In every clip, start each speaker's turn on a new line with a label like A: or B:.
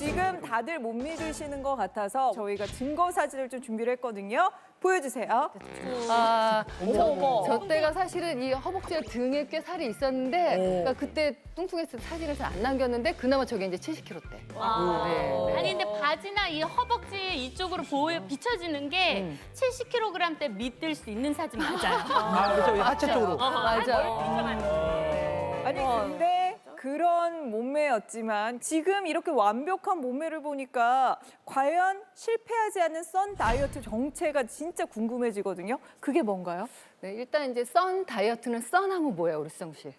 A: 지금 다들 못 믿으시는 것 같아서 저희가 증거 사진을 좀 준비를 했거든요. 보여주세요.
B: 저 때가 사실은 이 허벅지와 등에 꽤 살이 있었는데 그러니까 그때 뚱뚱했을 때 사진을 잘 안 남겼는데 그나마 저게 이제 70kg대. 네.
C: 아니 근데 바지나 이 허벅지 이쪽으로 비춰지는 게 70kg 때 믿을 수 있는 사진 맞아요.
D: 그렇죠. 하체 쪽으로.
B: 맞아요.
A: 아니 근데 그런 몸매였지만 지금 이렇게 완벽한 몸매를 보니까 과연 실패하지 않는 썬 다이어트 정체가 진짜 궁금해지거든요. 그게 뭔가요?
B: 네, 일단 이제 선 다이어트는 썬하면 뭐예요, 우리 수정 씨?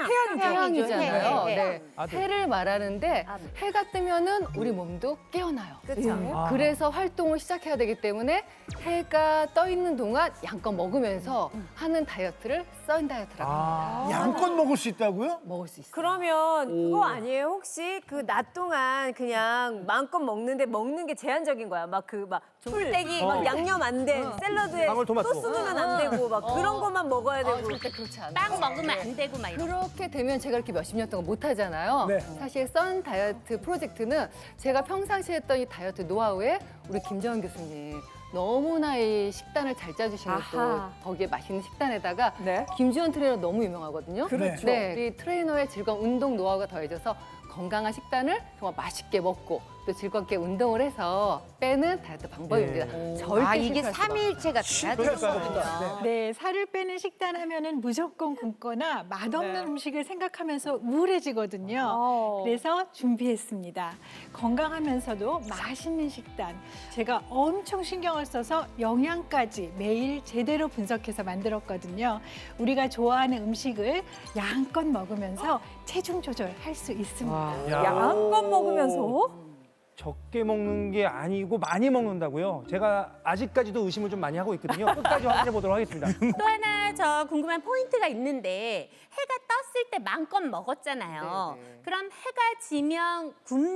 C: 해.
B: 태양이잖아요. 네.
D: 아들.
B: 해를 말하는데 해가 뜨면은 우리 몸도 깨어나요.
E: 그렇죠.
B: 그래서 활동을 시작해야 되기 때문에 해가 떠 있는 동안 양껏 먹으면서 하는 다이어트를 썬 다이어트라고 합니다.
F: 양껏 먹을 수 있다고요?
B: 먹을 수 있어요.
E: 그러면 그거 아니에요? 혹시 그 낮 동안 그냥 마음껏 먹는데 먹는 게 제한적인 거야? 막 풀떼기, 막 양념 안 된 샐러드에
D: 방울토마토.
E: 소스 넣으면 안 되고 막 그런 것만 먹어야 되고.
B: 절대 그렇지 않아요.
C: 빵 먹으면 안 되고 막 이런.
B: 그렇게 되면 제가 이렇게 몇십 년 동안 못 하잖아요.
F: 네.
B: 사실 썬 다이어트 프로젝트는 제가 평상시에 했던 이 다이어트 노하우에 우리 김정은 교수님 너무나 이 식단을 잘 짜주시는 또
A: 아하.
B: 거기에 맛있는 식단에다가
A: 네.
B: 김주원 트레이너 너무 유명하거든요.
A: 그렇죠.
B: 네, 이 트레이너의 즐거운 운동 노하우가 더해져서 건강한 식단을 정말 맛있게 먹고 또 즐겁게 운동을 해서 빼는 다이어트 방법입니다. 절대
E: 이게
B: 실패할 수가
E: 삼일체가 돼야 되는 거군요.
G: 네, 살을 빼는 식단 하면은 무조건 굶거나 맛없는 음식을 생각하면서 우울해지거든요. 그래서 준비했습니다. 건강하면서도 맛있는 식단. 제가 엄청 신경을 써서 영양까지 매일 제대로 분석해서 만들었거든요. 우리가 좋아하는 음식을 양껏 먹으면서 체중 조절할 수 있습니다.
A: 양껏 먹으면서
D: 적게 먹는 게 아니고 많이 먹는다고요? 제가 아직까지도 의심을 좀 많이 하고 있거든요. 끝까지 확인해 보도록 하겠습니다.
C: 또 하나 저 궁금한 포인트가 있는데 해가 떴을 때 마음껏 먹었잖아요. 그럼 해가 지면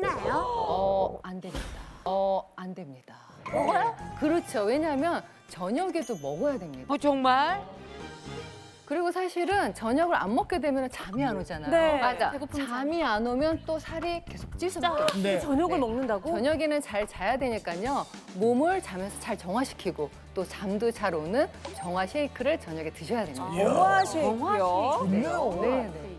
C: 굶나요?
B: 안 됩니다. 안 됩니다. 먹어요? 그렇죠. 왜냐하면 저녁에도 먹어야 됩니다.
E: 정말?
B: 그리고 사실은 저녁을 안 먹게 되면 잠이 안 오잖아요.
A: 네.
B: 맞아. 잠이 안 오면 또 살이 계속 찔 수밖에 없어요.
F: 네.
E: 저녁을
B: 네.
E: 먹는다고?
B: 저녁에는 잘 자야 되니까요. 몸을 자면서 잘 정화시키고 또 잠도 잘 오는 정화 쉐이크를 저녁에 드셔야 됩니다.
A: 정화 쉐이크요.
F: 좋네요.
B: 네, 네.